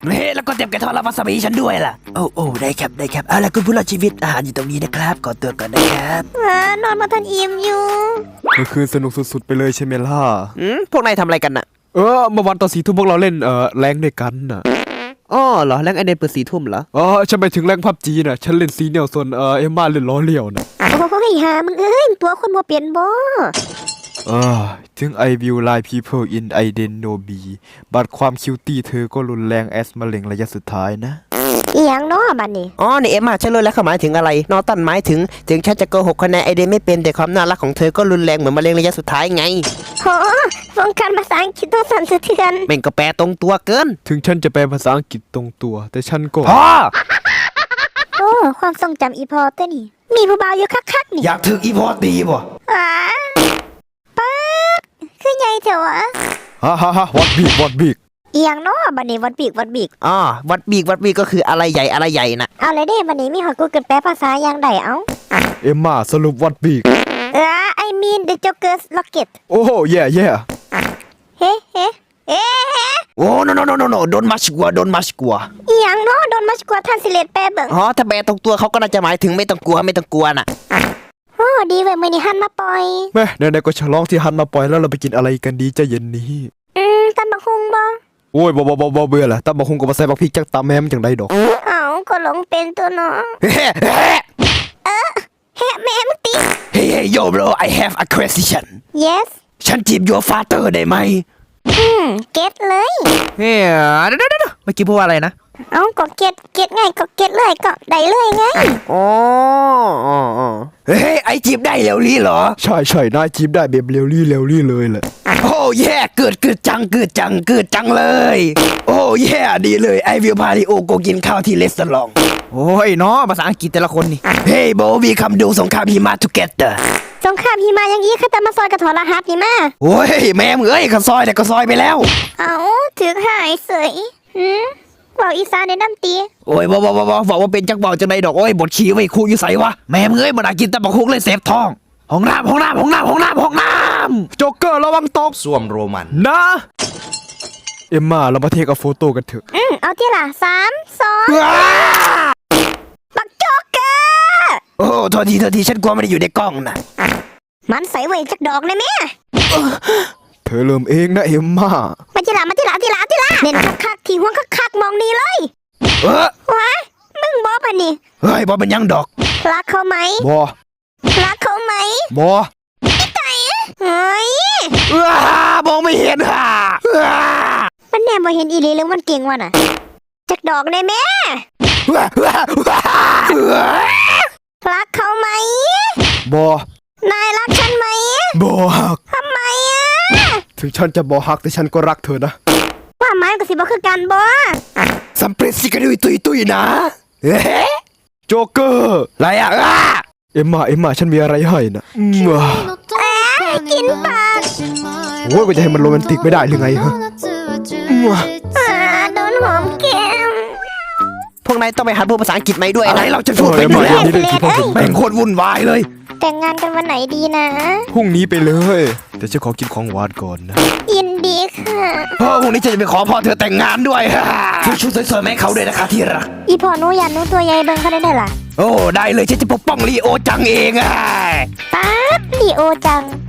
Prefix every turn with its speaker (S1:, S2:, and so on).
S1: เฮ้แล้วก็เตรียมกระทอดรับวาซาบิฉันด้วยล่ะโอ้ได้ครับเอาล่ะคุณผู้รอดชีวิตอาหารอยู่ตรงนี้นะครับขอตัวก่อนนะครับ
S2: นอนมาทันอิ่มอยู่
S3: เมื่อคืนสนุกสุดๆไปเลยใช่ไหมล่ะ
S4: พวกนายทำอะไรกันน่ะ
S3: เมื่อวันตอน4 ทุ่มพวกเราเล่นแรงด้วยกันน่ะ
S4: อ๋อเหรอแรงไอเดนเปิด4 ทุ่มเหรอ
S3: ฉันไปถึงแรงพับจีน่ะฉันเล่นซีเนียลส่วนเอ็มม่าเล่นล้อเลี้ยวน่ะ
S2: โอ้ยหามึงตัวคนบ่เปลี่ยนบ่
S3: ถึง I will lie people in I didn't know be บัดความคิวตี้เธอก็รุนแรงแอสมะเร็งระยะสุดท้ายนะ
S2: อีหยังเนาะบัดนี้
S4: นี่เอ็มม่าฉันรู้แล้วเขาหมายถึงอะไรนอตันหมายถึงฉันจะโกหกคะแนนไอเดนไม่เป็นแต่ความน่ารักของเธอก็รุนแรงเหมือนมะเร็งระยะสุดท้ายไง
S2: โหวงการภาษาอังกฤษต้องสั่นสะเทือน
S4: แม่งก็แปลตรงตัวเกิน
S3: ถึงฉันจะแปลภาษาอังกฤษตรงตัวแต่ฉันก็
S2: ความทรงจำอีพอตัวนี่มีผู้บ่าวอยู่คักๆนี่
S1: อยากถึกอีพอตีบ่
S2: ป๊าคือใหญ่เถอะวะ
S3: ฮ่าวัดบีก
S2: อีหยังเนาะบัดนี้วัดบีก
S4: วัดบีกก็คืออะไรใหญ่น่ะ
S2: เอาเลยเด้บัดนี้มีหอกูเกินแปลภาษาอย่างใดเอา
S3: เอ็มม่าสรุปวัดบีก
S2: I mean the Joker's Rocket
S3: โอ้แย่
S2: เฮ้
S1: โอ้ no don't much กลัว
S2: อีหยังเนาะ don't much กลัวท่านสิเลตแปลเบิ่ง
S4: ถ้าแปลตรงตัวเขาก็น่าจะหมายถึงไม่ต้องกลัวน่ะ
S2: ดีเว้ยมื้อนี้หันมาปล่อย
S3: แม่ไหนๆก็ฉลองที่หันมาปล่อยแล้วเราไปกินอะไรกันดีใจเย็นนี้
S2: ตำบักหุ่งบ่
S3: โอ้ยบ่เบื่อละตำบักหุ่งก็บ่ใส่บักพริกจักตำแม่มันจังได๋ดอก
S2: ก็หลงเป็นตัวเนาะแม่มึงติ
S1: Hey yo bro I have a question
S2: Yes
S1: ฉันจีบ your father ได้ไหม
S2: เก็ตเลย
S4: เฮ้ยเดี๋ยวเมื่อกี้พูดว่าอะไรนะ
S2: ก็เก็ตไงก็เก็ตเลยก็ได้เลยไง
S1: เฮ้ยไอจีบได้เร็วลี่เหรอ
S3: ใช่นายจีบได้แบบเร็วลี่เลยแหละ
S1: โอ้แย่เกิดจังเลยโอ้แย่ดีเลยไอวิวพาริโอโกกินข้าวที่เลสตอรอง
S4: โอ้ยเนาะภาษาอังกฤษแต่ละคนนี่
S1: เฮ้ยโบวีคำดูสงครามหิมะ together
S2: สงครามหิมะอย่างงี้คือแต่มาซอยกระถอรหัสนี่มา
S1: โอ้ยแม่มึงก็ซอยแต่ก็ซอยไปแล้ว
S2: ถือหายเสยบอกอีสานในน้ำตี
S1: โอ้ยบอกว่าเป็นจักบอกจังไดดอกโอ้ยบทชี้ไว้ครูอยู่ใส่วะแม่มึงมันกินตะบักคุกเลยเสพท้องห้องน้ำ
S3: โจ๊กเกอร์ระวังตก
S1: ส้วมโรมัน
S3: นะเอ็มม่าเรามาเทคโฟโต้กันเถอะ
S2: เอาที่ละ3 2บักโจ๊กเกอร์
S1: โอ้โทษทีฉันกลัวไม่ได้อยู่ในกล้องนะ
S2: มันใส่ไว้จักดอกเลยแม่
S3: เธอเริ่มเองนะเอ็มม่า
S2: มาทีละเน้นคักที่หัวคักมองนี่เลยว้ามึงบอกป่ะนี่
S1: เฮ้ยบอกเป็นยังดอก
S2: รักเขาไหมรักเขาไหมไก่เฮ้ย
S1: มองไม่เห็น
S2: มันแน่บ่เห็นอีหลีหรือมันเก่งวะน่ะจักดอกได้แม่รักเขาไหมนายรักฉันไหมทำไม
S3: ถึงฉันจะบ่ฮักแต่ฉันก็รักเธอนะ
S2: ว่าไม้กับสิบ่คือกันบ่
S1: สัมเพรสสิกันตุยนะ
S3: โจ๊กเกอร์
S1: อะไร
S3: เอ็มม่าฉันมีอะไรให้นะ
S2: กินปาก
S3: โอ้ยจะให้มันโรแมนติกไม่ได้หรือไงฮะ
S2: โดนหอมแก้ม
S4: พวกนายต้องไปหัดพูดภาษาอังกฤษไหมด้วย
S1: อะไรเราจะพูดไปอยู่แล้วแม่งโคตรวุ่นวายเลย
S2: แต่งงานกันวันไหนดีนะ
S3: พรุ่งนี้ไปเลยแต่ฉันขอกินของหวานก่อนนะ
S2: ยินดีค่ะ
S1: พรุ่งนี้จะไปขอพ่อเธอแต่งงานด้วยซื้อชุดสวยๆให้เขาด้วยนะคะที่รัก
S2: อีพ่อหนูยันหนูตัวใหญ่เบิ่งเขาได้ล่ะ
S1: โอ้ได้เลยฉันจะปกป้องลีโอจังเอง
S2: ป๊าบลีโอจัง